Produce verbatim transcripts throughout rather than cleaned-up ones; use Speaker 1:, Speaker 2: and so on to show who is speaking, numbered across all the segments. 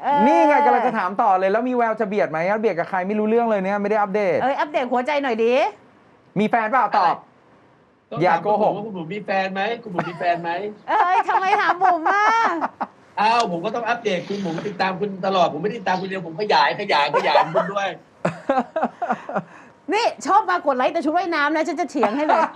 Speaker 1: นี่ไงกำลังจะถามต่อเลยแล้วมีแววจะเบียดไหมเบียดกับใครไม่รู้เรื่องเลยเนี่ยไม่ได้อัปเดต
Speaker 2: เอ้ยอัปเดตหัวใจหน่อยดิ
Speaker 1: มีแฟนเปล่าตอบอย่าโกหก
Speaker 3: ว่าคุณบุ๋มมีแฟนไหมคุณบุ๋มมีแฟนไหม
Speaker 2: เอ้ยทำไมถามผมอ่ะ
Speaker 3: อ้าวผมก็ต้องอัปเดตคุณผมติดตามคุณตลอดผมไม่ได้ติดตามคุณเดียวผมขยายขยายขยายคุณด้วย
Speaker 2: นี่ชอบมากดไลค์แต่ชุดว่ายน้ำนะฉันจะเถียงให้เลย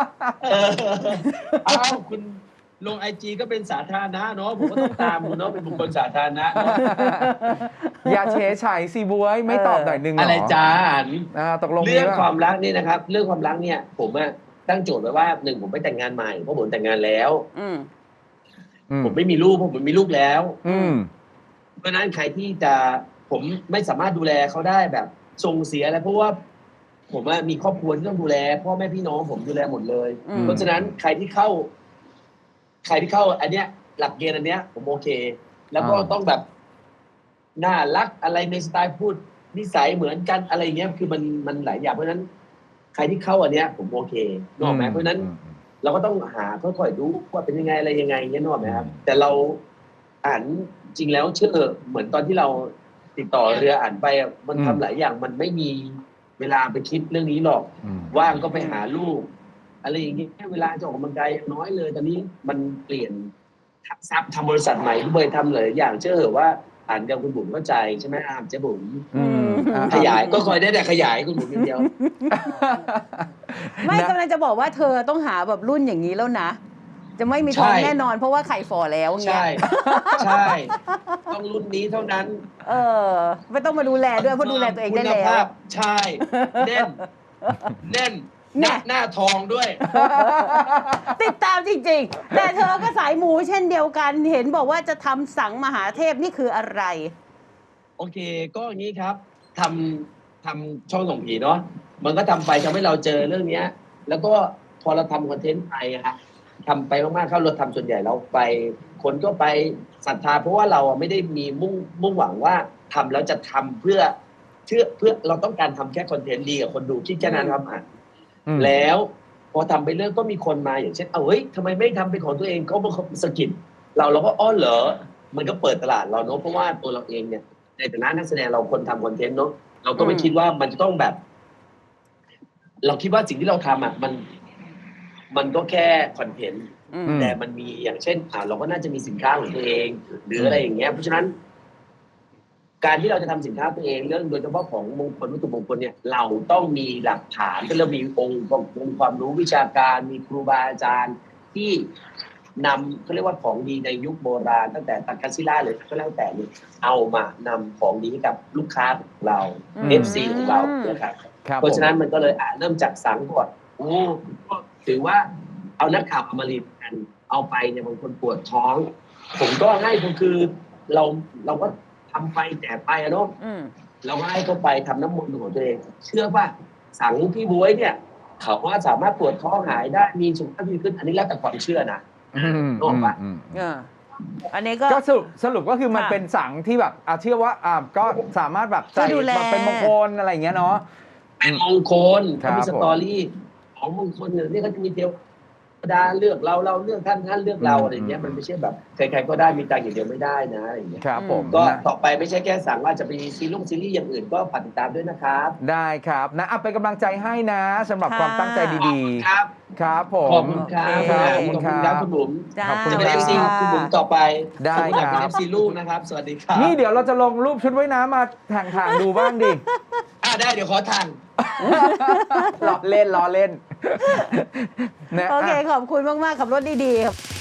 Speaker 3: อ้าวคุณลงไอจีก็เป็นสาธารณะเนาะผมก็ต้องตามคุณเนาะเป็นบุคคลสาธารณะ
Speaker 1: อย่าเฉยฉายสิบวยไม่ตอบหน่อยนึง
Speaker 3: อะไรจ้า
Speaker 1: ตกลง
Speaker 3: เรื่องความรักนี่นะครับเรื่องความรักเนี่ยผมอะตั้งโจทย์ไว้ว่าหนึ่งผมไม่แต่งงานใหม่เพราะผมแต่งงานแล้วผมไม่มีลูกเพราะผมมีลูกแล้วเพราะนั้นใครที่จะผมไม่สามารถดูแลเขาได้แบบส่งเสียอะไรเพราะว่าผมมีครอบครัวที่ต้องดูแลพ่อแม่พี่น้องผมดูแลหมดเลยเพราะฉะนั้นใครที่เข้าใครที่เข้าอันเนี้ยหลักเกณฑ์อันเนี้ยผมโอเคแล้วก็ต้องแบบน่ารักอะไรในสไตล์พูดนิสัยเหมือนกันอะไรเงี้ยคือมันมันหลายอย่างเพราะฉะนั้นใครที่เข้าอันเนี้ยผมโอเคนึกออกไหมเพราะฉะนั้นเราก็ต้องหาค่อยๆดูว่าเป็นยังไงอะไรยังไงเงี้ยนึกออกไหมครับแต่เราอ่านจริงแล้วเชื่อเหมือนตอนที่เราติดต่อเรืออ่านไปมันทำหลายอย่างมันไม่มีเวลาไปคิดเรื่องนี้หรอกว่างก็ไปหาลูกอะไรอย่างเงี้ยเวลาจะออกกำลังกายน้อยเลยตอนนี้มันเปลี่ยนซับทำบริษัทใหม่ด้วยทำหลายอย่างเชื่อเหรอว่าอ่านเดียวคุณบุ๋มเข้าใจใช่ไหมอามเจ๊บุ๋มขยายก็คอยได้แต่ขยายคุณบุ๋มเดียว
Speaker 2: ไม่กำลังจะบอกว่าเธอต้องหาแบบรุ่นอย่างนี้แล้วนะจะไม่มีท้องแน่นอนเพราะว่าไข่ฝ่อแล้วเงี้ย
Speaker 3: ใช่ใช่ต้องรุ่นนี้เท่านั้น
Speaker 2: เออไม่ต้องมาดูแลด้วยเพราะดูแลตัวเองได้แล้ว
Speaker 3: ใช่แน่นแน่นหน้าทองด้วย
Speaker 2: ติดตามจริงๆแต่เธอก็สายมูเช่นเดียวกันเห็นบอกว่าจะทำสังมหาเทพนี่คืออะไร
Speaker 3: โอเคก็อย่างนี้ครับทำทำช่องส่องผีเนาะมันก็ทำไปทำให้เราเจอเรื่องนี้แล้วก็พอเราทำคอนเทนต์ไปฮะทำไปมากๆเข้าเราทำส่วนใหญ่เราไปคนก็ไปศรัทธาเพราะว่าเราไม่ได้มีมุ่งมุ่งหวังว่าทำแล้วจะทำเพื่อเพื่อเพื่อเราต้องการทำแค่คอนเทนต์ดีกับคนดูคิดแค่นั้นครับอ่ะแล้วพอทำไปเรื่องก็มีคนมาอย่างเช่นเอาเฮ้ยทำไมไม่ทำเป็นของตัวเองเขาเขาสกิดเราเราก็อ้อเหรอมันก็เปิดตลาดเราเนาะเพราะว่าตัวเราเองเนี่ยในฐานะนักแสดงเราคนทำคอนเทนต์เนาะเราก็ไม่คิดว่ามันจะต้องแบบเราคิดว่าสิ่งที่เราทำอ่ะมันมันก็แค่คอนเทนต์แต่มันมีอย่างเช่นอ่าเราก็น่าจะมีสินค้าของตัวเองหรืออะไรอย่างเงี้ยเพราะฉะนั้นการที่เราจะทำสินค้าตัวเองเรื่องโดยเฉพาะของมงคลวัตถุมงคลเนี่ยเราต้องมีหลักฐานเรามีองค์องค์ความรู้วิชาการมีครูบาอาจารย์ที่นำเขาเรียกว่าของดีในยุคโบราณตั้งแต่ตักกศิลาหรือก็แล้วแต่เนี่ยเอามานำของดีให้กับลูกค้าของเรา เอฟ ซี ของเรานะครับเพราะฉะนั้นมันก็เลยเริ่มจากสังก่อนโอ้ถือว่าเอานักข่าวมารีดกันเอาไปเนี่ยบางคนปวดท้องผมก็ให้ก็คือเราเราก็ทำไปแต่ไปอะเนาะเราก็ให้เขาไปทำน้ำมนต์ของตัวเองเชื่อว่าสังพี่บ๊วยเนี่ยเขาว่าสามารถปวดท้องหายได้มีสุขภาพดีขึ้นอันนี้แล้วแต่ความเชื่อนะ
Speaker 1: นอกปะ
Speaker 2: อันนี้ก็
Speaker 1: สรุปสรุปก็คือมันเป็นสังที่แบบเชื่อว่าอ่าก็สามารถแบบใส่เป็นมงคลอะไรอย่างเงี้ยเนาะ
Speaker 3: เป็นมงคลเขามีสตอรี่ของมงคลเนี่ยนี่เขาจะมีเดียวดาเลือกเราเราเลือกท่านท่านเลือกเราอะไรอย่างเงี้ยมันไม่ใช่แบบใครๆก็ได้มีตังค์อย่างเดียวไม่ได้นะอะไรอย่างเงี้ย
Speaker 1: ครับผม
Speaker 3: ก็ต่อไปไม่ใช่แค่สั่งว่าจะไปซีรีส์ซีรีส์อย่างอื่นก็ฝากติดตามด้วยนะครับ
Speaker 1: ได้ครับนะเอาเป็นกำลังใจให้นะสำหรับความตั้งใจดี
Speaker 3: ๆครับ
Speaker 1: ครับผม
Speaker 3: ขอบคุณครับขอบคุณครับคุณบุ๋ม
Speaker 1: ขอบคุณ
Speaker 3: จะเป็น เอฟ ซี คุณบุ๋มต่อไป
Speaker 1: ได้ครับ
Speaker 3: เป็น เอฟ ซี ลูกนะครับสวัสดีครับ
Speaker 1: นี่เดี๋ยวเราจะลงรูปชุดว่ายน้ำมาทางๆดูบ้างดิ
Speaker 3: อ่าได้เดี๋ยวขอทาง
Speaker 1: ล้อเล่นล้อเล่น
Speaker 2: โอเคขอบคุณมากๆขับรถดีๆครับ